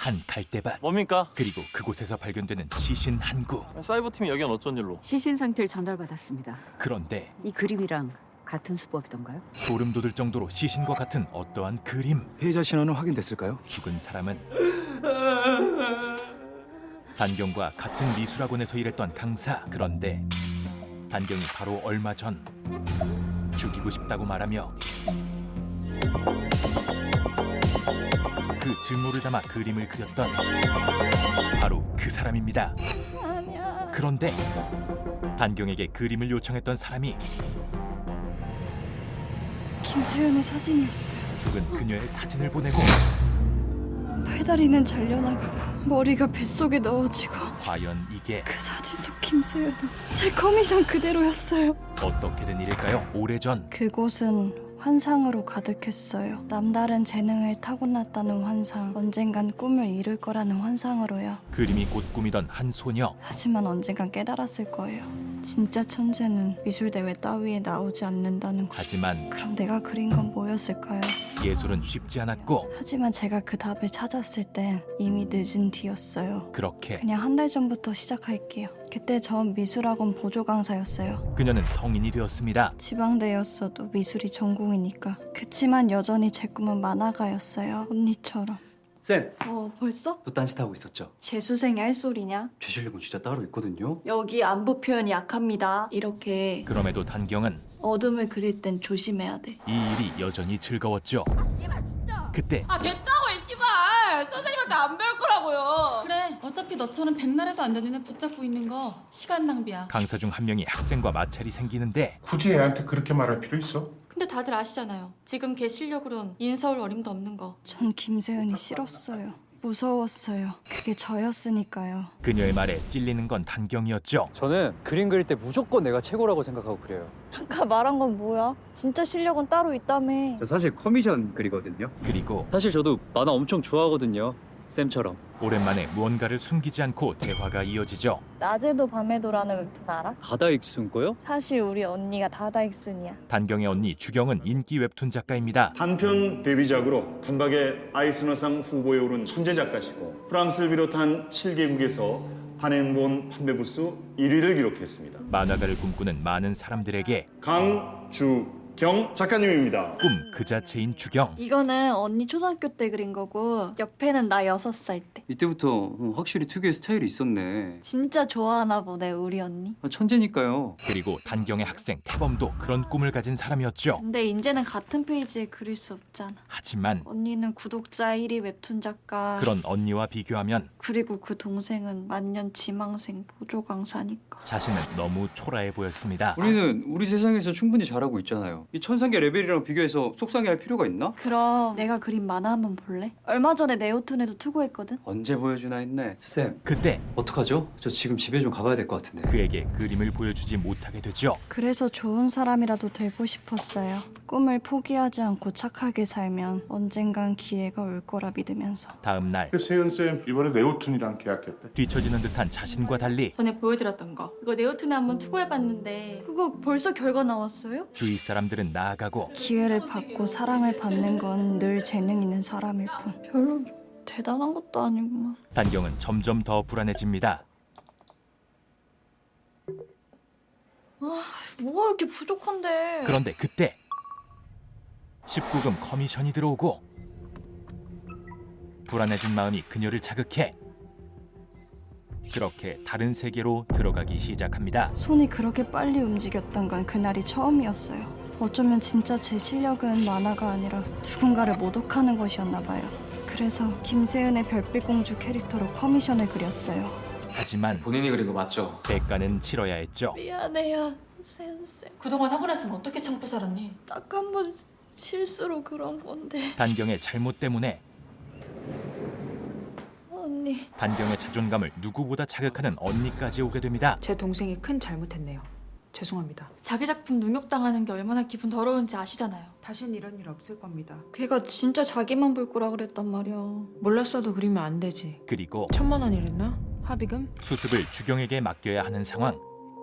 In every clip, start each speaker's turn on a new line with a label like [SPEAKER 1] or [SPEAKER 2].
[SPEAKER 1] 한 갈대밭,
[SPEAKER 2] 뭡니까?
[SPEAKER 1] 그리고 그곳에서 발견되는 시신 한 구.
[SPEAKER 2] 사이버팀이 여긴 어쩐 일로?
[SPEAKER 3] 시신 상태를 전달받았습니다.
[SPEAKER 1] 그런데
[SPEAKER 3] 이 그림이랑 같은 수법이던가요?
[SPEAKER 1] 소름 돋을 정도로 시신과 같은 어떠한 그림.
[SPEAKER 4] 피해자 신원은 확인됐을까요?
[SPEAKER 1] 죽은 사람은 단경과 같은 미술학원에서 일했던 강사. 그런데 단경이 바로 얼마 전 죽이고 싶다고 말하며 그 증오를 담아 그림을 그렸던 바로 그 사람입니다.
[SPEAKER 5] 아니야.
[SPEAKER 1] 그런데 단경에게 그림을 요청했던 사람이
[SPEAKER 5] 김세윤의 사진이었어요.
[SPEAKER 1] 죽은 그녀의 사진을 보내고
[SPEAKER 5] 팔다리는 잘려나가고 머리가 뱃속에 넣어지고
[SPEAKER 1] 과연 이게
[SPEAKER 5] 그 사진 속 김세윤은 제 커미션 그대로였어요.
[SPEAKER 1] 어떻게 된 일일까요? 오래전
[SPEAKER 5] 그곳은 환상으로 가득했어요. 남다른 재능을 타고났다는 환상, 언젠간 꿈을 이룰 거라는 환상으로요.
[SPEAKER 1] 그림이 곧 꾸미던 한 소녀.
[SPEAKER 5] 하지만 언젠간 깨달았을 거예요. 진짜 천재는 미술대회 따위에 나오지 않는다는 거.
[SPEAKER 1] 하지만
[SPEAKER 5] 그럼 내가 그린 건 뭐였을까요?
[SPEAKER 1] 예술은 쉽지 않았고
[SPEAKER 5] 하지만 제가 그 답을 찾았을 땐 이미 늦은 뒤였어요.
[SPEAKER 1] 그렇게
[SPEAKER 5] 그냥 한 달 전부터 시작할게요. 그때 전 미술학원 보조 강사였어요.
[SPEAKER 1] 그녀는 성인이 되었습니다.
[SPEAKER 5] 지방대였어도 미술이 전공이니까. 그치만 여전히 제 꿈은 만화가였어요. 언니처럼.
[SPEAKER 6] 쌤,
[SPEAKER 5] 벌써?
[SPEAKER 6] 또 딴짓하고 있었죠?
[SPEAKER 5] 재수생이 할 소리냐?
[SPEAKER 6] 제 실력은 진짜 따로 있거든요.
[SPEAKER 5] 여기 안부 표현이 약합니다. 이렇게
[SPEAKER 1] 그럼에도 단경은
[SPEAKER 5] 어둠을 그릴 땐 조심해야 돼.
[SPEAKER 1] 이 일이 여전히 즐거웠죠. 그때
[SPEAKER 7] 아 됐다고 이 씨발 선생님한테 안 배울 거라고요. 그래 어차피 너처럼 백날에도 안 되는 애 붙잡고 있는 거 시간 낭비야.
[SPEAKER 1] 강사 중 한 명이 학생과 마찰이 생기는데
[SPEAKER 8] 굳이 애한테 그렇게 말할 필요 있어?
[SPEAKER 7] 근데 다들 아시잖아요. 지금 걔 실력으론 인서울 어림도 없는 거.
[SPEAKER 5] 전 김세윤이 싫었어요. 무서웠어요. 그게 저였으니까요.
[SPEAKER 1] 그녀의 말에 찔리는 건 단경이었죠.
[SPEAKER 6] 저는 그림 그릴 때 무조건 내가 최고라고 생각하고 그래요.
[SPEAKER 5] 아까 말한 건 뭐야? 진짜 실력은 따로 있다며.
[SPEAKER 6] 저 사실 커미션 그리거든요.
[SPEAKER 1] 그리고
[SPEAKER 6] 사실 저도 만화 엄청 좋아하거든요. 쌤처럼.
[SPEAKER 1] 오랜만에 무언가를 숨기지 않고 대화가 이어지죠.
[SPEAKER 5] 낮에도 밤에도라는 웹툰 알아?
[SPEAKER 6] 가다익순 거요?
[SPEAKER 5] 사실 우리 언니가 다다익순이야.
[SPEAKER 1] 단경의 언니 주경은 인기 웹툰 작가입니다.
[SPEAKER 9] 단편 데뷔작으로 단박에 아이스너상 후보에 오른 천재 작가시고 프랑스를 비롯한 7개국에서 단행본 판매 부수 1위를 기록했습니다.
[SPEAKER 1] 만화가를 꿈꾸는 많은 사람들에게
[SPEAKER 9] 강주경 작가님입니다.
[SPEAKER 1] 꿈 그 자체인 주경.
[SPEAKER 5] 이거는 언니 초등학교 때 그린 거고 옆에는 나 6살 때.
[SPEAKER 6] 이때부터 확실히 특유의 스타일이 있었네.
[SPEAKER 5] 진짜 좋아하나 보네 우리 언니.
[SPEAKER 6] 천재니까요.
[SPEAKER 1] 그리고 단경의 학생 태범도 그런 꿈을 가진 사람이었죠.
[SPEAKER 5] 근데 이제는 같은 페이지에 그릴 수 없잖아.
[SPEAKER 1] 하지만
[SPEAKER 5] 언니는 구독자 1위 웹툰 작가.
[SPEAKER 1] 그런 언니와 비교하면
[SPEAKER 5] 그리고 그 동생은 만년 지망생 보조 강사니까.
[SPEAKER 1] 자신은 너무 초라해 보였습니다.
[SPEAKER 6] 우리는 우리 세상에서 충분히 잘하고 있잖아요. 이 천상계 레벨이랑 비교해서 속상해할 필요가 있나?
[SPEAKER 5] 그럼 내가 그린 만화 한번 볼래? 얼마 전에 네오툰에도 투고했거든?
[SPEAKER 6] 언제 보여주나 했네. 쌤,
[SPEAKER 1] 그때
[SPEAKER 6] 어떡하죠? 저 지금 집에 좀 가봐야 될 것 같은데.
[SPEAKER 1] 그에게 그림을 보여주지 못하게 되죠.
[SPEAKER 5] 그래서 좋은 사람이라도 되고 싶었어요. 꿈을 포기하지 않고 착하게 살면 언젠간 기회가 올 거라 믿으면서.
[SPEAKER 1] 다음 날
[SPEAKER 8] 세연쌤 이번에 네오툰이랑 계약했대.
[SPEAKER 1] 뒤처지는 듯한 자신과 달리
[SPEAKER 7] 전에 보여드렸던 거. 그거 네오툰에 한번 투고해봤는데
[SPEAKER 5] 그거 벌써 결과 나왔어요?
[SPEAKER 1] 주위 사람들은 나아가고
[SPEAKER 5] 기회를 받고 사랑을 받는 건 늘 재능 있는 사람일 뿐. 별로 대단한 것도 아니구만.
[SPEAKER 1] 단경은 점점 더 불안해집니다.
[SPEAKER 5] 뭐가 이렇게 부족한데?
[SPEAKER 1] 그런데 그때 19금 커미션이 들어오고 불안해진 마음이 그녀를 자극해 그렇게 다른 세계로 들어가기 시작합니다.
[SPEAKER 5] 손이 그렇게 빨리 움직였던 건 그날이 처음이었어요. 어쩌면 진짜 제 실력은 만화가 아니라 누군가를 모독하는 것이었나 봐요. 그래서 김세은의 별빛공주 캐릭터로 커미션을 그렸어요.
[SPEAKER 1] 하지만
[SPEAKER 4] 본인이 그린 거 맞죠?
[SPEAKER 1] 대가는 치러야 했죠.
[SPEAKER 5] 미안해요, 센세.
[SPEAKER 7] 그동안 학원에서는 어떻게 참고 살았니?
[SPEAKER 5] 딱 한 번 실수로 그런 건데.
[SPEAKER 1] 단경의 잘못 때문에
[SPEAKER 5] 언니.
[SPEAKER 1] 단경의 자존감을 누구보다 자극하는 언니까지 오게 됩니다.
[SPEAKER 10] 제 동생이 큰 잘못했네요. 죄송합니다.
[SPEAKER 7] 자기 작품 능욕당하는 게 얼마나 기분 더러운지 아시잖아요.
[SPEAKER 10] 다신 이런 일 없을 겁니다.
[SPEAKER 5] 걔가 진짜 자기만 볼 거라 그랬단 말이야.
[SPEAKER 10] 몰랐어도 그리면 안 되지.
[SPEAKER 1] 그리고
[SPEAKER 10] 1,000만 원이랬나? 합의금?
[SPEAKER 1] 수습을 주경에게 맡겨야 하는 상황.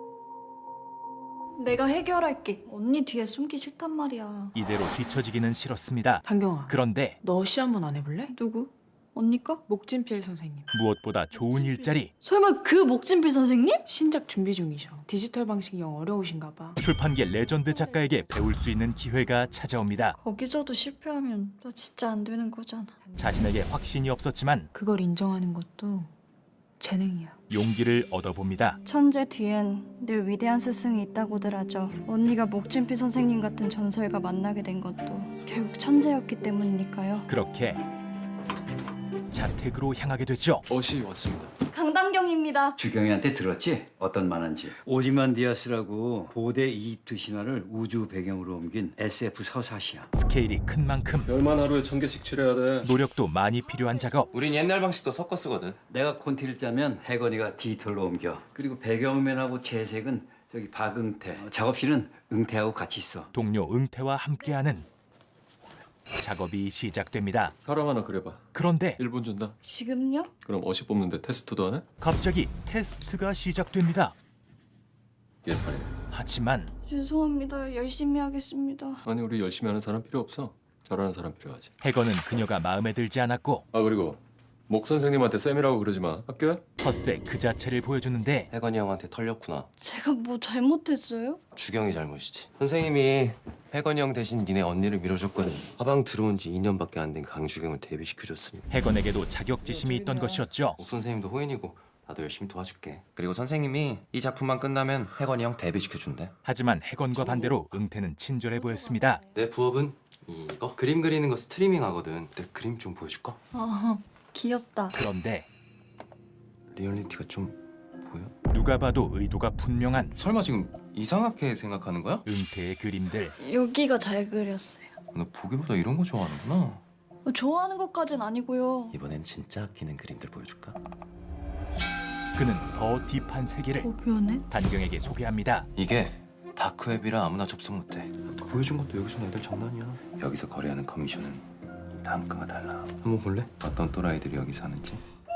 [SPEAKER 5] 내가 해결할게. 언니 뒤에 숨기 싫단 말이야.
[SPEAKER 1] 이대로 뒤처지기는 싫었습니다.
[SPEAKER 10] 단경아,
[SPEAKER 1] 그런데
[SPEAKER 10] 너 시 한번 안 해볼래?
[SPEAKER 5] 누구? 언니 거?
[SPEAKER 10] 목진필 선생님.
[SPEAKER 1] 무엇보다 좋은 일자리,
[SPEAKER 5] 설마 그 목진필 선생님?
[SPEAKER 10] 신작 준비 중이셔. 디지털 방식이 영 어려우신가 봐.
[SPEAKER 1] 출판계 레전드 작가에게 배울 수 있는 기회가 찾아옵니다.
[SPEAKER 5] 거기서도 실패하면 나 진짜 안 되는 거잖아.
[SPEAKER 1] 자신에게 확신이 없었지만
[SPEAKER 10] 그걸 인정하는 것도 재능이야.
[SPEAKER 1] 용기를 얻어봅니다.
[SPEAKER 5] 천재 뒤엔 늘 위대한 스승이 있다고들 하죠. 언니가 목진필 선생님 같은 전설과 만나게 된 것도 결국 천재였기 때문이니까요.
[SPEAKER 1] 그렇게 자택으로 향하게 되죠.
[SPEAKER 2] 옷이 왔습니다.
[SPEAKER 5] 강당경입니다.
[SPEAKER 11] 주경이한테 들었지? 어떤 만화인지. 오지만디아스라고 고대 이집트 신화를 우주 배경으로 옮긴 SF 서사시야.
[SPEAKER 1] 스케일이 큰 만큼
[SPEAKER 2] 열만 하루에 1000개씩 칠해야 돼.
[SPEAKER 1] 노력도 많이 필요한 작업.
[SPEAKER 2] 우린 옛날 방식도 섞어 쓰거든.
[SPEAKER 11] 내가 콘티를 짜면 혜건이가 디지털로 옮겨. 그리고 배경면하고 채색은 저기 박응태. 작업실은 응태하고 같이 있어.
[SPEAKER 1] 동료 응태와 함께하는 작업이 시작됩니다.
[SPEAKER 2] 사람 하나 그려봐.
[SPEAKER 1] 그런데
[SPEAKER 2] 1분 준다.
[SPEAKER 5] 지금요?
[SPEAKER 2] 그럼 어시 뽑는데 테스트도 하네?
[SPEAKER 1] 갑자기 테스트가 시작됩니다.
[SPEAKER 2] 예판이네.
[SPEAKER 1] 하지만
[SPEAKER 5] 죄송합니다. 열심히 하겠습니다.
[SPEAKER 2] 아니 우리 열심히 하는 사람 필요 없어. 잘하는 사람 필요하지.
[SPEAKER 1] 해건은 그녀가 마음에 들지 않았고
[SPEAKER 2] 아 그리고 목 선생님한테 쌤이라고 그러지 마. 학교야?
[SPEAKER 1] 텃세 그 자체를 보여주는데
[SPEAKER 12] 혜건이 형한테 털렸구나.
[SPEAKER 5] 제가 뭐 잘못했어요?
[SPEAKER 12] 주경이 잘못이지. 선생님이 혜건이 형 대신 니네 언니를 밀어줬거든. 화방 들어온 지 2년밖에 안 된 강주경을 데뷔시켜줬으니.
[SPEAKER 1] 해건에게도 자격지심이 있던 것이었죠.
[SPEAKER 12] 목 선생님도 호인이고 나도 열심히 도와줄게. 그리고 선생님이 이 작품만 끝나면 혜건이 형 데뷔시켜준대.
[SPEAKER 1] 하지만 해건과 반대로 응태는 친절해 보였습니다.
[SPEAKER 12] 내 부업은 이거 그림 그리는 거 스트리밍 하거든. 내 그림 좀 보여줄까?
[SPEAKER 5] 귀엽다.
[SPEAKER 1] 그런데
[SPEAKER 12] 리얼리티가 좀 보여?
[SPEAKER 1] 누가 봐도 의도가 분명한
[SPEAKER 12] 설마 지금 이상하게 생각하는 거야?
[SPEAKER 1] 응태의 그림들.
[SPEAKER 5] 여기가 잘 그렸어요.
[SPEAKER 12] 너 보기보다 이런 거 좋아하는구나.
[SPEAKER 5] 좋아하는 것까진 아니고요.
[SPEAKER 12] 이번엔 진짜 아끼는 그림들 보여줄까?
[SPEAKER 1] 그는 더 딥한 세계를
[SPEAKER 5] 고변해?
[SPEAKER 1] 단경에게 소개합니다.
[SPEAKER 12] 이게 다크웹이라 아무나 접속 못해. 보여준 것도 여기서 애들 장난이야. 여기서 거래하는 커미션은 단가가 달라. 한번 볼래? 어떤 또라이들이 여기 사는지.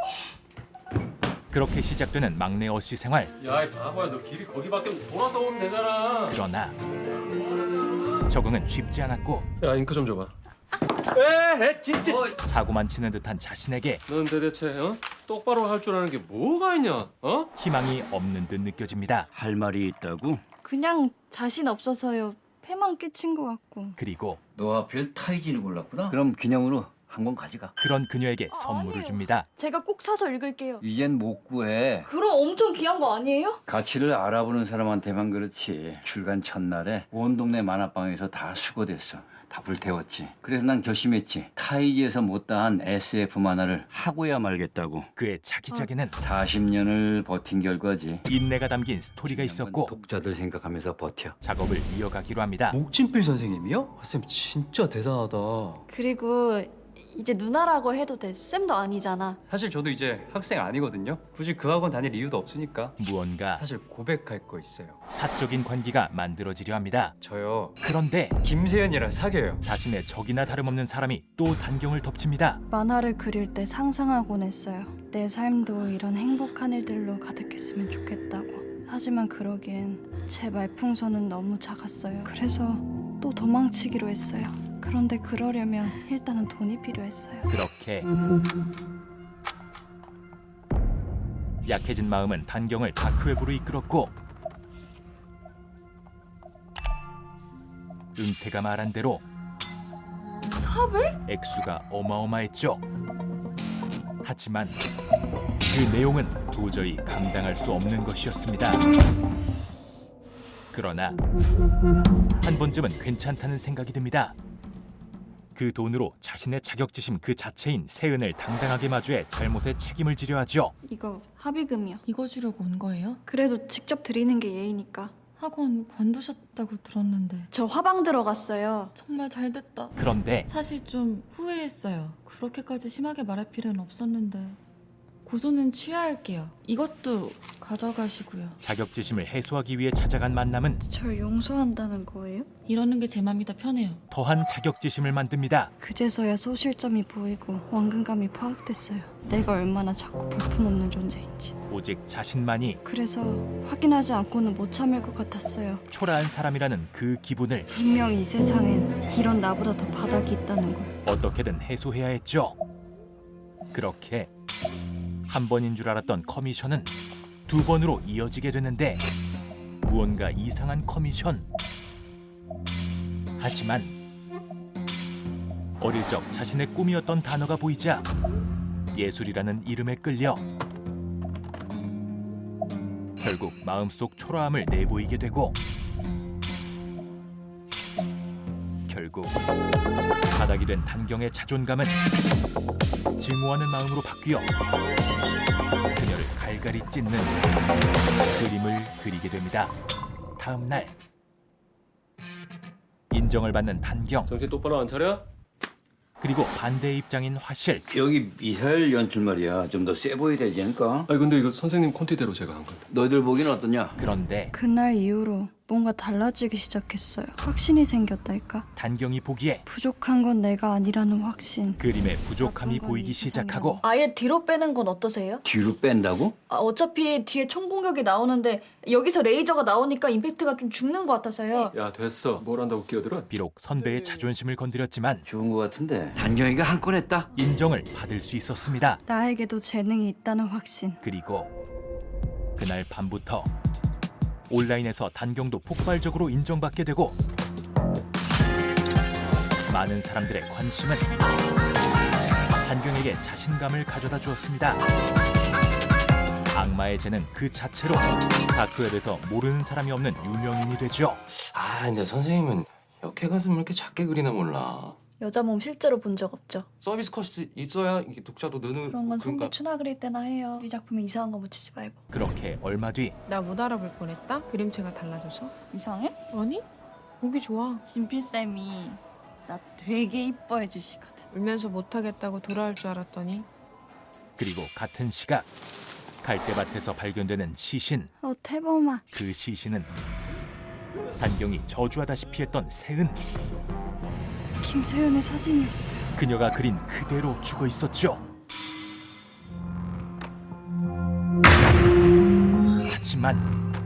[SPEAKER 1] 그렇게 시작되는 막내 어씨 생활.
[SPEAKER 2] 야 이 바보야 너 길이 거기밖에 돌아서 오면 되잖아.
[SPEAKER 1] 그러나 적응은 쉽지 않았고
[SPEAKER 2] 야 잉크 좀 줘봐. 에 진짜.
[SPEAKER 1] 사고만 치는 듯한 자신에게
[SPEAKER 2] 넌 대체 똑바로 할 줄 아는 게 뭐가 있냐? 어?
[SPEAKER 1] 희망이 없는 듯 느껴집니다.
[SPEAKER 11] 할 말이 있다고?
[SPEAKER 5] 그냥 자신 없어서요. 패만 끼친 것 같고.
[SPEAKER 1] 그리고
[SPEAKER 11] 너 하필 타이진을 골랐구나? 그럼 기념으로 한 권 가져가.
[SPEAKER 1] 그런 그녀에게 선물을
[SPEAKER 5] 아니에요.
[SPEAKER 1] 줍니다.
[SPEAKER 5] 제가 꼭 사서 읽을게요.
[SPEAKER 11] 이젠 못 구해.
[SPEAKER 5] 그럼 엄청 귀한 거 아니에요?
[SPEAKER 11] 가치를 알아보는 사람한테만 그렇지. 출간 첫날에 온 동네 만화방에서 다 수거됐어. 다 불태웠지. 그래서 난 결심했지. 타이지에서 못다한 SF 만화를 하고야 말겠다고.
[SPEAKER 1] 그의 차기작에는
[SPEAKER 11] 40년을 버틴 결과지.
[SPEAKER 1] 인내가 담긴 스토리가 있었고
[SPEAKER 11] 독자들 생각하면서 버텨.
[SPEAKER 1] 작업을 이어가기로 합니다.
[SPEAKER 6] 목진필 선생님이요? 쌤 진짜 대단하다.
[SPEAKER 5] 그리고 이제 누나라고 해도 돼. 쌤도 아니잖아.
[SPEAKER 6] 사실 저도 이제 학생 아니거든요. 굳이 그 학원 다닐 이유도 없으니까.
[SPEAKER 1] 무언가
[SPEAKER 6] 사실 고백할 거 있어요.
[SPEAKER 1] 사적인 관계가 만들어지려 합니다.
[SPEAKER 6] 저요
[SPEAKER 1] 그런데
[SPEAKER 6] 김세연이랑 사귀어요.
[SPEAKER 1] 자신의 적이나 다름없는 사람이 또 단경을 덮칩니다.
[SPEAKER 5] 만화를 그릴 때 상상하곤 했어요. 내 삶도 이런 행복한 일들로 가득했으면 좋겠다고. 하지만 그러기엔 제 말풍선은 너무 작았어요. 그래서 또 도망치기로 했어요. 그런데 그러려면 일단은 돈이 필요했어요.
[SPEAKER 1] 그렇게 약해진 마음은 단경을 다크웹으로 이끌었고 은태가 말한 대로
[SPEAKER 5] 400?
[SPEAKER 1] 액수가 어마어마했죠. 하지만 그 내용은 도저히 감당할 수 없는 것이었습니다. 그러나 한 번쯤은 괜찮다는 생각이 듭니다. 그 돈으로 자신의 자격지심 그 자체인 세은을 당당하게 마주해 잘못에 책임을 지려 하죠.
[SPEAKER 5] 이거 합의금이요.
[SPEAKER 7] 이거 주려고 온 거예요?
[SPEAKER 5] 그래도 직접 드리는 게 예의니까.
[SPEAKER 7] 학원 관두셨다고 들었는데
[SPEAKER 5] 저 화방 들어갔어요.
[SPEAKER 7] 정말 잘 됐다.
[SPEAKER 1] 그런데
[SPEAKER 7] 사실 좀 후회했어요. 그렇게까지 심하게 말할 필요는 없었는데 고소는 취하할게요. 이것도 가져가시고요.
[SPEAKER 1] 자격지심을 해소하기 위해 찾아간 만남은
[SPEAKER 5] 절 용서한다는 거예요?
[SPEAKER 7] 이러는 게 제 맘이 더 편해요.
[SPEAKER 1] 더한 자격지심을 만듭니다.
[SPEAKER 5] 그제서야 소실점이 보이고 원근감이 파악됐어요. 내가 얼마나 자꾸 볼품없는 존재인지.
[SPEAKER 1] 오직 자신만이
[SPEAKER 5] 그래서 확인하지 않고는 못 참을 것 같았어요.
[SPEAKER 1] 초라한 사람이라는 그 기분을
[SPEAKER 5] 분명 이 세상엔 이런 나보다 더 바닥이 있다는 걸.
[SPEAKER 1] 어떻게든 해소해야 했죠. 그렇게 한 번인 줄 알았던 커미션은 두 번으로 이어지게 되는데 무언가 이상한 커미션. 하지만 어릴 적 자신의 꿈이었던 단어가 보이자 예술이라는 이름에 끌려 결국 마음속 초라함을 내보이게 되고 결국 바닥이 된 단경의 자존감은 증오하는 마음으로 바뀌어 그녀를 갈갈이 찢는 그림을 그리게 됩니다. 다음 날 인정을 받는 단경,
[SPEAKER 2] 정신 똑바로 안 차려?
[SPEAKER 1] 그리고 반대 입장인 화실.
[SPEAKER 11] 여기 미사일 연출 말이야. 좀 더 세 보여야 되지 않을까?
[SPEAKER 2] 아니 근데 이거 선생님 콘티대로 제가 한 건데.
[SPEAKER 11] 너희들 보기는 어떠냐?
[SPEAKER 1] 그런데
[SPEAKER 5] 그날 이후로 뭔가 달라지기 시작했어요. 확신이 생겼달까?
[SPEAKER 1] 단경이 보기에
[SPEAKER 5] 부족한 건 내가 아니라는 확신.
[SPEAKER 1] 그림의 부족함이 보이기 시작하고
[SPEAKER 5] 아예 뒤로 빼는 건 어떠세요?
[SPEAKER 11] 뒤로 뺀다고?
[SPEAKER 5] 어차피 뒤에 총 공격이 나오는데 여기서 레이저가 나오니까 임팩트가 좀 죽는 것 같아서요.
[SPEAKER 2] 야 됐어. 뭘 한다고 끼어들어?
[SPEAKER 1] 비록 선배의 자존심을 건드렸지만
[SPEAKER 11] 좋은 거 같은데. 단경이가 한 건 했다.
[SPEAKER 1] 인정을 받을 수 있었습니다.
[SPEAKER 5] 나에게도 재능이 있다는 확신.
[SPEAKER 1] 그리고 그날 밤부터 온라인에서 단경도 폭발적으로 인정받게 되고 많은 사람들의 관심은 단경에게 자신감을 가져다 주었습니다. 악마의 재능 그 자체로 다크웹에서 모르는 사람이 없는 유명인이 되죠.
[SPEAKER 12] 아 근데 선생님은 역해 가슴을 이렇게 작게 그리나 몰라.
[SPEAKER 5] 여자 몸 실제로 본 적 없죠?
[SPEAKER 12] 서비스 컷이 있어야 이게 독자도 느는.
[SPEAKER 5] 그런 건 성비 추나 그릴 때나 해요. 이 작품에 이상한 거 묻히지 말고.
[SPEAKER 1] 그렇게 얼마 뒤
[SPEAKER 10] 나 못 알아볼 뻔했다? 그림체가 달라져서?
[SPEAKER 5] 이상해?
[SPEAKER 10] 아니? 보기 좋아.
[SPEAKER 5] 진필쌤이 나 되게 이뻐해 주시거든.
[SPEAKER 10] 울면서 못하겠다고 돌아올 줄 알았더니
[SPEAKER 1] 그리고 같은 시각 갈대밭에서 발견되는 시신.
[SPEAKER 5] 태범아.
[SPEAKER 1] 그 시신은 단경이 저주하다시피 했던 세은.
[SPEAKER 5] 김세윤의 사진이었어요.
[SPEAKER 1] 그녀가 그린 그대로 죽어 있었죠. 하지만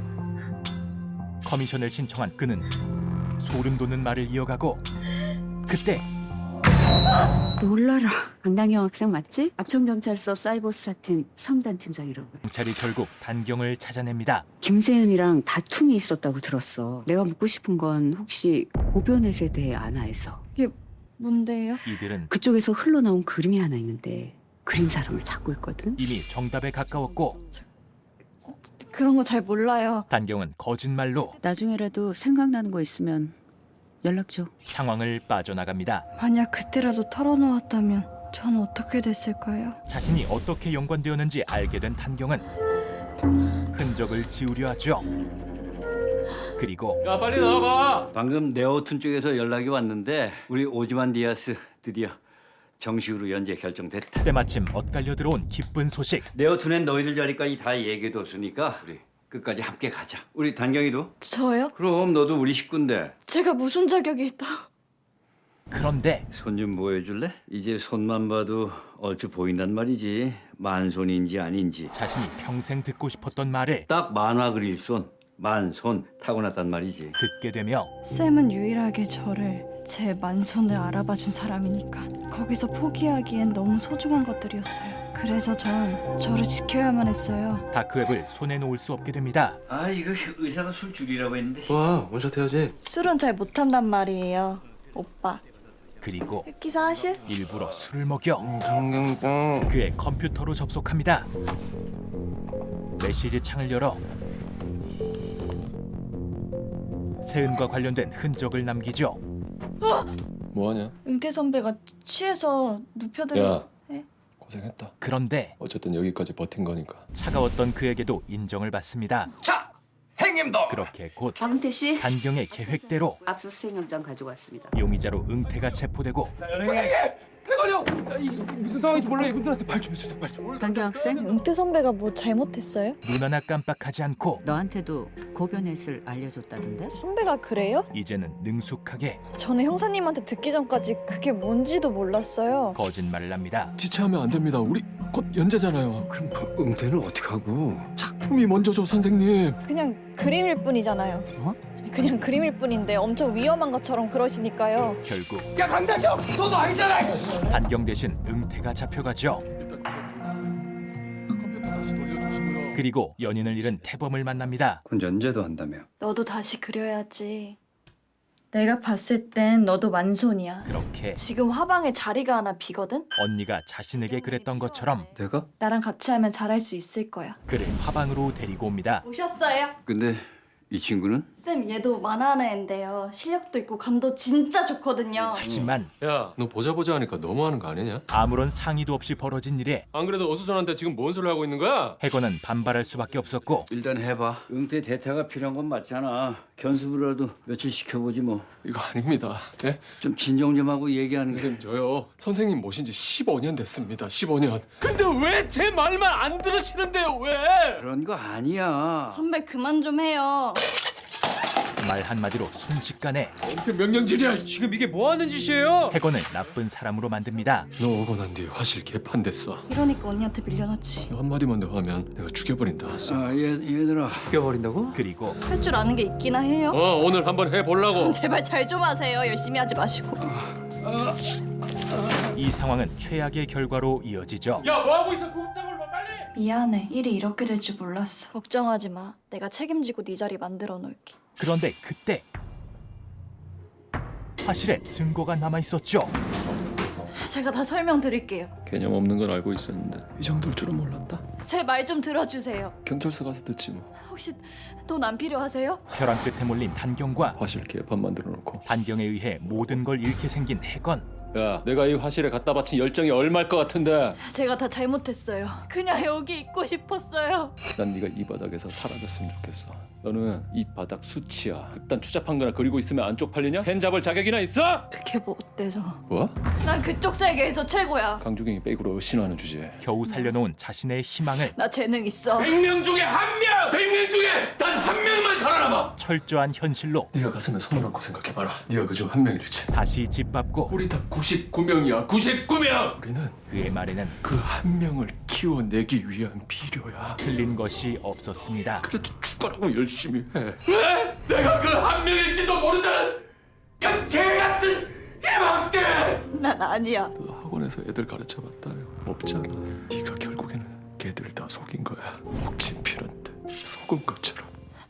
[SPEAKER 1] 커미션을 신청한 그는 소름 돋는 말을 이어가고 그때
[SPEAKER 3] 놀라라. 강당형 학생 맞지? 압천경찰서 사이버 수사팀 성단 팀장이라고.
[SPEAKER 1] 경찰이 결국 단경을 찾아냅니다.
[SPEAKER 3] 김세은이랑 다툼이 있었다고 들었어. 내가 묻고 싶은 건 혹시 고변의 세대의 아나에서
[SPEAKER 5] 뭔데요?
[SPEAKER 1] 이들은
[SPEAKER 3] 그쪽에서 흘러나온 그림이 하나 있는데 그린 사람을 찾고 있거든.
[SPEAKER 1] 이미 정답에 가까웠고
[SPEAKER 5] 그런 거 잘 몰라요.
[SPEAKER 1] 단경은 거짓말로
[SPEAKER 3] 나중에라도 생각나는 거 있으면 연락 줘.
[SPEAKER 1] 상황을 빠져나갑니다.
[SPEAKER 5] 만약 그때라도 털어놓았다면 전 어떻게 됐을까요?
[SPEAKER 1] 자신이 어떻게 연관되었는지 알게 된 단경은 흔적을 지우려 하죠. 그리고
[SPEAKER 2] 야 빨리 나와봐.
[SPEAKER 11] 방금 네오툰 쪽에서 연락이 왔는데 우리 오즈만 디아스 드디어 정식으로 연재 결정됐다.
[SPEAKER 1] 때마침 엇갈려 들어온 기쁜 소식.
[SPEAKER 11] 네오툰엔 너희들 자리까지 다 얘기해뒀으니까 우리 끝까지 함께 가자. 우리 단경이도?
[SPEAKER 5] 저요?
[SPEAKER 11] 그럼 너도 우리 식구인데.
[SPEAKER 5] 제가 무슨 자격이 있다.
[SPEAKER 1] 그런데
[SPEAKER 11] 손 좀 보여줄래? 이제 손만 봐도 얼추 보인단 말이지. 만손인지 아닌지.
[SPEAKER 1] 자신이 평생 듣고 싶었던 말을
[SPEAKER 11] 딱 만화 그릴 손, 만손 타고났단 말이지.
[SPEAKER 1] 듣게 되며
[SPEAKER 5] 쌤은 유일하게 저를 제 만손을 알아봐준 사람이니까 거기서 포기하기엔 너무 소중한 것들이었어요. 그래서 전 저를 지켜야만 했어요.
[SPEAKER 1] 다크웹을 손에 놓을 수 없게 됩니다.
[SPEAKER 11] 아 이거 의사가 술 줄이라고 했는데.
[SPEAKER 2] 와 원샷 해야지.
[SPEAKER 5] 술은 잘 못한단 말이에요. 오빠.
[SPEAKER 1] 그리고
[SPEAKER 5] 기사 하실?
[SPEAKER 1] 일부러 술을 먹여
[SPEAKER 12] 성경병.
[SPEAKER 1] 그의 컴퓨터로 접속합니다. 메시지 창을 열어 세은과 관련된 흔적을 남기죠.
[SPEAKER 2] 뭐하냐?
[SPEAKER 5] 응태 선배가 취해서 눕혀드려.
[SPEAKER 2] 야
[SPEAKER 5] 예?
[SPEAKER 2] 고생했다.
[SPEAKER 1] 그런데
[SPEAKER 2] 어쨌든 여기까지 버틴 거니까.
[SPEAKER 1] 차가웠던 그에게도 인정을 받습니다.
[SPEAKER 12] 자 행님도.
[SPEAKER 1] 그렇게 곧
[SPEAKER 3] 박은태 씨,
[SPEAKER 1] 단경의 계획대로
[SPEAKER 3] 압수수색 영장 가지고 왔습니다.
[SPEAKER 1] 용의자로 응태가 체포되고
[SPEAKER 12] 해관영. 무슨 상황인지 몰라. 이분들한테 말 좀 해주자. 말 좀.
[SPEAKER 3] 단경 학생,
[SPEAKER 5] 응태 선배가 뭐 잘못했어요?
[SPEAKER 1] 눈 하나 깜빡하지 않고
[SPEAKER 3] 너한테도 고변넷을 알려줬다던데?
[SPEAKER 5] 선배가 그래요?
[SPEAKER 1] 이제는 능숙하게
[SPEAKER 5] 저는 형사님한테 듣기 전까지 그게 뭔지도 몰랐어요.
[SPEAKER 1] 거짓말을 합니다.
[SPEAKER 2] 지체하면 안 됩니다. 우리 곧 연재잖아요.
[SPEAKER 11] 그럼 응태는 어떻게 하고?
[SPEAKER 2] 작품이 먼저죠 선생님.
[SPEAKER 5] 그냥 그림일 뿐이잖아요.
[SPEAKER 3] 어?
[SPEAKER 5] 그냥 그림일 뿐인데 엄청 위험한 것처럼 그러시니까요.
[SPEAKER 1] 결국
[SPEAKER 12] 야 강단경 너도 알잖아.
[SPEAKER 1] 단경 대신 응태가 잡혀가죠.
[SPEAKER 2] 일단 다시 돌려주시고요.
[SPEAKER 1] 그리고 연인을 잃은 태범을 만납니다.
[SPEAKER 6] 그건 연재도 한다며.
[SPEAKER 5] 너도 다시 그려야지. 내가 봤을 땐 너도 만손이야.
[SPEAKER 1] 그렇게
[SPEAKER 5] 지금 화방에 자리가 하나 비거든?
[SPEAKER 1] 언니가 자신에게 그랬던 것처럼
[SPEAKER 6] 내가?
[SPEAKER 5] 나랑 같이 하면 잘할 수 있을 거야.
[SPEAKER 1] 그를 화방으로 데리고 옵니다.
[SPEAKER 5] 오셨어요?
[SPEAKER 11] 근데 이 친구는?
[SPEAKER 5] 쌤 얘도 만화하는 애인데요. 실력도 있고 감도 진짜 좋거든요.
[SPEAKER 1] 하지만
[SPEAKER 2] 야, 너 보자 하니까 너무하는 거 아니냐?
[SPEAKER 1] 아무런 상의도 없이 벌어진 일에
[SPEAKER 2] 안 그래도 어수선한데 지금 뭔 소리를 하고 있는 거야?
[SPEAKER 1] 해건은 반발할 수밖에 없었고
[SPEAKER 11] 일단 해봐. 응태 대타가 필요한 건 맞잖아. 견습이라도 며칠 시켜보지 뭐.
[SPEAKER 2] 이거 아닙니다. 예?
[SPEAKER 11] 좀 진정 좀 하고 얘기하는 게.
[SPEAKER 2] 저요. 선생님 모신 지 15년 됐습니다. 15년. 근데 왜 제 말만 안 들으시는데요? 왜?
[SPEAKER 11] 그런 거 아니야.
[SPEAKER 5] 선배 그만 좀 해요.
[SPEAKER 1] 말 한마디로 순식간에
[SPEAKER 2] 무슨 명령질이야?
[SPEAKER 6] 지금 이게 뭐 하는 짓이에요?
[SPEAKER 1] 해건을 나쁜 사람으로 만듭니다.
[SPEAKER 2] 너 오고 난 뒤에 화실 개판됐어.
[SPEAKER 5] 이러니까 언니한테 밀려났지.
[SPEAKER 2] 너 한마디만 더 하면 내가 죽여버린다.
[SPEAKER 11] 얘들아.
[SPEAKER 6] 죽여버린다고?
[SPEAKER 1] 그리고
[SPEAKER 5] 할 줄 아는 게 있기나 해요?
[SPEAKER 2] 오늘 한번 해보려고.
[SPEAKER 5] 제발 잘 좀 하세요. 열심히 하지 마시고.
[SPEAKER 1] 이 상황은 최악의 결과로 이어지죠.
[SPEAKER 2] 야, 뭐 하고 있어? 국장을 봐, 빨리.
[SPEAKER 5] 미안해. 일이 이렇게 될 줄 몰랐어. 걱정하지 마. 내가 책임지고 네 자리 만들어 놓을게.
[SPEAKER 1] 그런데 그때 화실에 증거가 남아 있었죠.
[SPEAKER 5] 제가 다 설명드릴게요.
[SPEAKER 2] 개념 없는 건 알고 있었는데 이 정도일 줄은 몰랐다.
[SPEAKER 5] 제 말 좀 들어주세요.
[SPEAKER 2] 경찰서 가서 듣지 뭐.
[SPEAKER 5] 혹시 돈 안 필요하세요?
[SPEAKER 1] 혈안 끝에 몰린 단경과
[SPEAKER 2] 화실 개판 만들어 놓고.
[SPEAKER 1] 단경에 의해 모든 걸 잃게 생긴 해건.
[SPEAKER 2] 야, 내가 이 화실에 갖다 바친 열정이 얼마일 것 같은데.
[SPEAKER 5] 제가 다 잘못했어요. 그냥 여기 있고 싶었어요.
[SPEAKER 2] 난 네가 이 바닥에서 사라졌으면 좋겠어. 너는 이 바닥 수치야. 그딴 추잡한 거나 그리고 있으면 안 쪽팔리냐? 펜 잡을 자격이나 있어?
[SPEAKER 5] 그게 뭐 어때서?
[SPEAKER 2] 뭐?
[SPEAKER 5] 난 그쪽 세계에서 최고야.
[SPEAKER 2] 강주경이 백으로 신화하는 주제에
[SPEAKER 1] 겨우 살려놓은 자신의 희망을
[SPEAKER 5] 나 재능 있어.
[SPEAKER 2] 100명 중에 한 명! 100명 중에 단 한 명만 살아남아!
[SPEAKER 1] 철저한 현실로
[SPEAKER 2] 네가 가슴에 손을 얹고 생각해봐라. 네가 그중 한 명일지.
[SPEAKER 1] 다시 짓밟고
[SPEAKER 2] 우리 다 99명이야. 99명! 우리는
[SPEAKER 1] 그의 말에는
[SPEAKER 2] 그 한 명을 키워내기 위한 비료야.
[SPEAKER 1] 틀린 것이 없었습니다.
[SPEAKER 2] 그래도 죽어라고 열심히 해. 왜? 내가 그 한 명일지도 모른다는 그 개같은 희망 때문에!
[SPEAKER 5] 난 아니야.
[SPEAKER 2] 너 학원에서 애들 가르쳐봤다. 없잖아. 네가 결국에는 걔들 다 속인 거야. 옥진 필한테 속은 것처럼.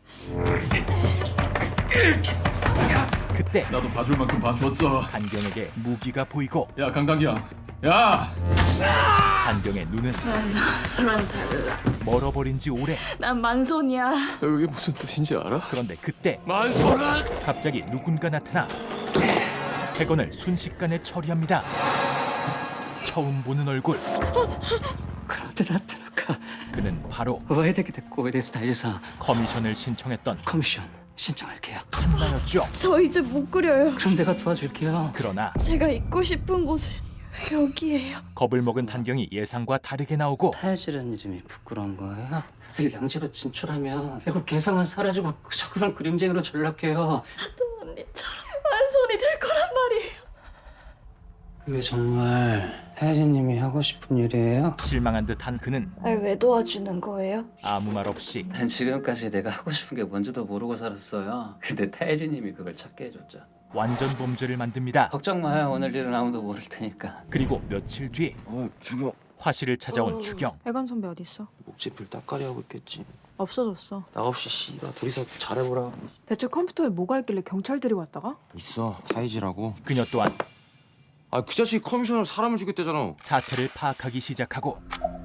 [SPEAKER 1] 그때
[SPEAKER 2] 나도 봐줄 만큼 봐줬어.
[SPEAKER 1] 단경에게 무기가 보이고
[SPEAKER 2] 야, 강당기야. 야!
[SPEAKER 1] 단경의 눈은
[SPEAKER 5] 나랑 달라.
[SPEAKER 1] 멀어버린 지 오래.
[SPEAKER 5] 난 만손이야.
[SPEAKER 2] 이게 무슨 뜻인지 알아?
[SPEAKER 1] 그런데 그때
[SPEAKER 2] 만소는
[SPEAKER 1] 갑자기 누군가 나타나 해건을 순식간에 처리합니다. 처음 보는 얼굴. 그는 바로 커미션을 신청했던 한나였죠.
[SPEAKER 5] 저 이제 못 그려요.
[SPEAKER 1] 그러나
[SPEAKER 5] 제가 있고 싶은 곳은 여기예요.
[SPEAKER 1] 겁을 먹은 단경이 예상과 다르게 나오고
[SPEAKER 13] 타야지라는 이름이 부끄러운 거예요? 다들 양지로 진출하면 결국 개성은 사라지고 그저 그런 그림쟁이로 전락해요.
[SPEAKER 5] 또 언니처럼 만손이 될 거란 말이에요.
[SPEAKER 13] 그게 정말 타야지님이 하고 싶은 일이에요?
[SPEAKER 1] 실망한 듯한 그는
[SPEAKER 5] 날 왜 도와주는 거예요?
[SPEAKER 1] 아무 말 없이
[SPEAKER 13] 난 지금까지 내가 하고 싶은 게 뭔지도 모르고 살았어요. 근데 타야지님이 그걸 찾게 해줬죠.
[SPEAKER 1] 완전 범죄를 만듭니다.
[SPEAKER 13] 걱정 마요. 오늘 일은 아무도 모를 테니까.
[SPEAKER 1] 그리고 며칠 뒤
[SPEAKER 12] 주경
[SPEAKER 1] 화실을 찾아온 주경.
[SPEAKER 10] 해건 선배 어디 있어?
[SPEAKER 12] 목재필 따까리 하고 있겠지.
[SPEAKER 10] 없어졌어.
[SPEAKER 12] 나 없이 씨발 둘이서 잘해보라.
[SPEAKER 10] 대체 컴퓨터에 뭐가 있길래 경찰 들이고 왔다가?
[SPEAKER 12] 있어 타이지라고.
[SPEAKER 1] 그녀 또한
[SPEAKER 12] 아 그 자식이 커미션으로 사람을 죽였대잖아.
[SPEAKER 1] 사태를 파악하기 시작하고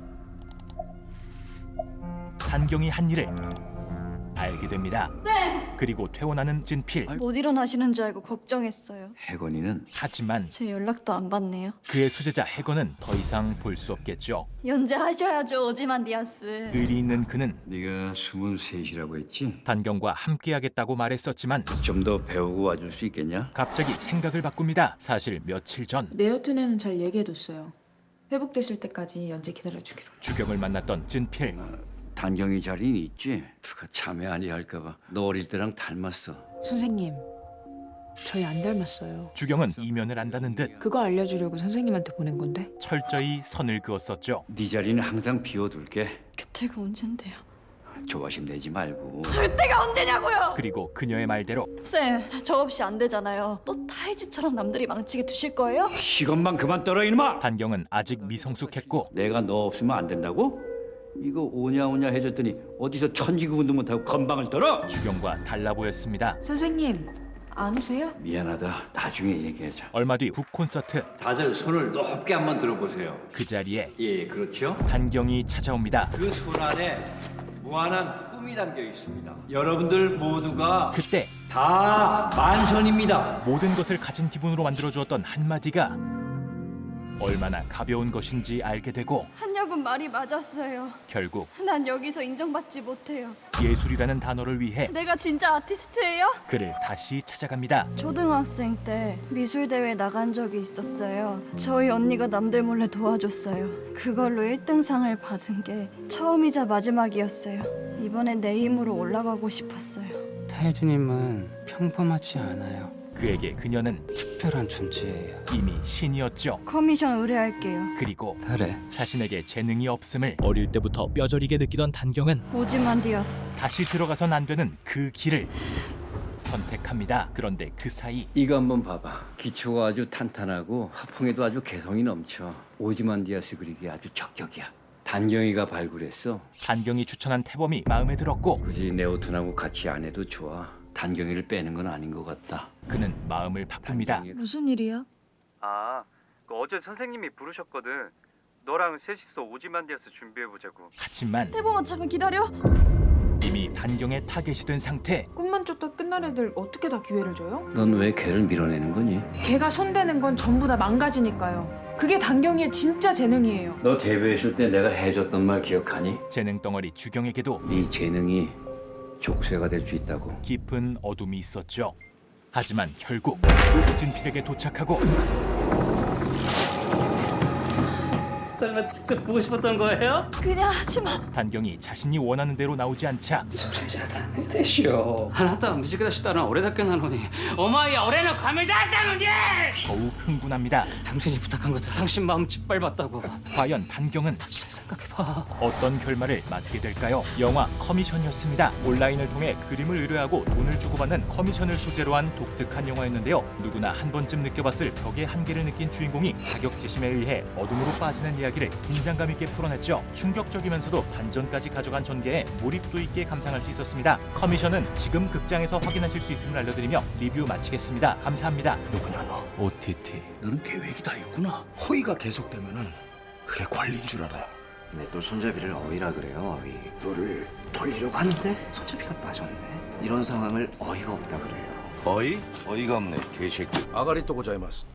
[SPEAKER 1] 단경이 한 일을 알게 됩니다. 그리고 퇴원하는 진필.
[SPEAKER 5] 못 일어나시는 줄 알고 걱정했어요.
[SPEAKER 11] 해건이는
[SPEAKER 1] 하지만
[SPEAKER 5] 제 연락도 안 받네요.
[SPEAKER 1] 그의 수제자 해건은 더 이상 볼 수 없겠죠.
[SPEAKER 5] 연재하셔야죠, 오지만디아스.
[SPEAKER 1] 의리 있는 그는
[SPEAKER 11] 네가 23이라고 했지?
[SPEAKER 1] 단경과 함께하겠다고 말했었지만
[SPEAKER 11] 좀 더 배우고 와줄 수 있겠냐?
[SPEAKER 1] 갑자기 생각을 바꿉니다. 사실 며칠 전
[SPEAKER 10] 네오튼에는 잘 얘기해뒀어요. 회복되실 때까지 연재 기다려주기로.
[SPEAKER 1] 주경을 만났던 진필.
[SPEAKER 11] 단경이 자리는 있지? 누가 자매 아니야 할까봐. 너 어릴 때랑 닮았어.
[SPEAKER 10] 선생님, 저희 안 닮았어요.
[SPEAKER 1] 주경은 이면을 안다는 듯
[SPEAKER 10] 그거 알려주려고 선생님한테 보낸 건데.
[SPEAKER 1] 철저히 선을 그었었죠.
[SPEAKER 11] 네 자리는 항상 비워둘게.
[SPEAKER 5] 그때가 언젠데요?
[SPEAKER 11] 조바심 내지 말고.
[SPEAKER 5] 그때가 언제냐고요?
[SPEAKER 1] 그리고 그녀의 말대로
[SPEAKER 5] 쌤, 저 없이 안 되잖아요. 또 타이즈처럼 남들이 망치게 두실 거예요?
[SPEAKER 11] 시간만 그만 떨어 이놈아!
[SPEAKER 1] 단경은 아직 미성숙했고
[SPEAKER 11] 내가 너 없으면 안 된다고? 이거 오냐오냐 해줬더니 어디서 천지구분도 못하고 건방을 떨어?
[SPEAKER 1] 주경과 달라 보였습니다.
[SPEAKER 10] 선생님 안 오세요?
[SPEAKER 11] 미안하다. 나중에 얘기하자.
[SPEAKER 1] 얼마 뒤 북 콘서트.
[SPEAKER 11] 다들 손을 높게 한번 들어보세요.
[SPEAKER 1] 그 자리에
[SPEAKER 11] 예, 그렇죠.
[SPEAKER 1] 단경이 찾아옵니다.
[SPEAKER 11] 그 손 안에 무한한 꿈이 담겨 있습니다. 여러분들 모두가
[SPEAKER 1] 그때
[SPEAKER 11] 다 만선입니다.
[SPEAKER 1] 모든 것을 가진 기분으로 만들어주었던 한마디가 얼마나 가벼운 것인지 알게 되고
[SPEAKER 5] 한혁은 말이 맞았어요.
[SPEAKER 1] 결국
[SPEAKER 5] 난 여기서 인정받지 못해요.
[SPEAKER 1] 예술이라는 단어를 위해
[SPEAKER 5] 내가 진짜 아티스트예요?
[SPEAKER 1] 그를 다시 찾아갑니다.
[SPEAKER 5] 초등학생 때 미술대회 나간 적이 있었어요. 저희 언니가 남들 몰래 도와줬어요. 그걸로 1등상을 받은 게 처음이자 마지막이었어요. 이번엔 내 힘으로 올라가고 싶었어요.
[SPEAKER 13] 타이즈님은 평범하지 않아요.
[SPEAKER 1] 그에게 그녀는
[SPEAKER 13] 특별한 존재예요.
[SPEAKER 1] 이미 신이었죠.
[SPEAKER 5] 커미션 의뢰할게요.
[SPEAKER 1] 그리고
[SPEAKER 13] 그래.
[SPEAKER 1] 자신에게 재능이 없음을 어릴 때부터 뼈저리게 느끼던 단경은
[SPEAKER 5] 오지만디아스.
[SPEAKER 1] 다시 들어가선 안 되는 그 길을 선택합니다. 그런데 그 사이
[SPEAKER 11] 이거 한번 봐봐. 기초가 아주 탄탄하고 화풍에도 아주 개성이 넘쳐. 오지만디아스 그리기 아주 적격이야. 단경이가 발굴했어.
[SPEAKER 1] 단경이 추천한 태범이 마음에 들었고
[SPEAKER 11] 굳이 네오튼하고 같이 안 해도 좋아. 단경이를 빼는 건 아닌 것 같다.
[SPEAKER 1] 그는 마음을 바꿉니다.
[SPEAKER 5] 무슨 일이야?
[SPEAKER 6] 어제 선생님이 부르셨거든. 너랑 셋이서 오지만디아스 준비해보자고.
[SPEAKER 1] 하지만
[SPEAKER 5] 태범아 잠깐 기다려.
[SPEAKER 1] 이미 단경에 타겟이 된 상태.
[SPEAKER 10] 꿈만 쫓다 끝날 애들 어떻게 다 기회를 줘요?
[SPEAKER 11] 넌 왜 걔를 밀어내는 거니?
[SPEAKER 10] 걔가 손대는 건 전부 다 망가지니까요. 그게 단경이의 진짜 재능이에요.
[SPEAKER 11] 너 데뷔했을 때 내가 해줬던 말 기억하니?
[SPEAKER 1] 재능 덩어리 주경에게도
[SPEAKER 11] 네 재능이 족쇄가 될 수 있다고.
[SPEAKER 1] 깊은 어둠이 있었죠. 하지만 결국 우진필에게 도착하고
[SPEAKER 13] 설마 직접 보고 싶었던 거예요?
[SPEAKER 5] 그냥 하지마.
[SPEAKER 1] 단경이 자신이 원하는 대로 나오지 않자
[SPEAKER 13] それじゃダメでしょあなたは短くしたのは俺だけなのにお前は俺の神だったのに
[SPEAKER 1] 더욱 흥분합니다.
[SPEAKER 13] 당신이 부탁한 것도 당신 마음 짓밟았다고
[SPEAKER 1] 과연 단경은
[SPEAKER 13] 잘 생각해봐
[SPEAKER 1] 어떤 결말을 맞게 될까요? 영화 커미션이었습니다. 온라인을 통해 그림을 의뢰하고 돈을 주고받는 커미션을 소재로 한 독특한 영화였는데요. 누구나 한 번쯤 느껴봤을 벽의 한계를 느낀 주인공이 자격지심에 의해 어둠으로 빠지는 이야기를 긴장감 있게 풀어냈죠. 충격적이면서도 반전까지 가져간 전개에 몰입도 있게 감상할 수 있었습니다. 커미션은 지금 극장에서 확인하실 수 있음을 알려드리며 리뷰 마치겠습니다. 감사합니다.
[SPEAKER 2] 누구냐 너?
[SPEAKER 1] OTT
[SPEAKER 2] 너는 계획이 다 있구나. 허위가 계속되면은 그게 권리인 줄 알아.
[SPEAKER 12] 왜 또 손잡이를 어이라 그래요? 어이.
[SPEAKER 2] 너를 돌리려고 하는데 손잡이가 빠졌네.
[SPEAKER 12] 이런 상황을 어이가 없다 그래요.
[SPEAKER 2] 어이? 어이가 없네 개새끼. 아가리또 고자이마스.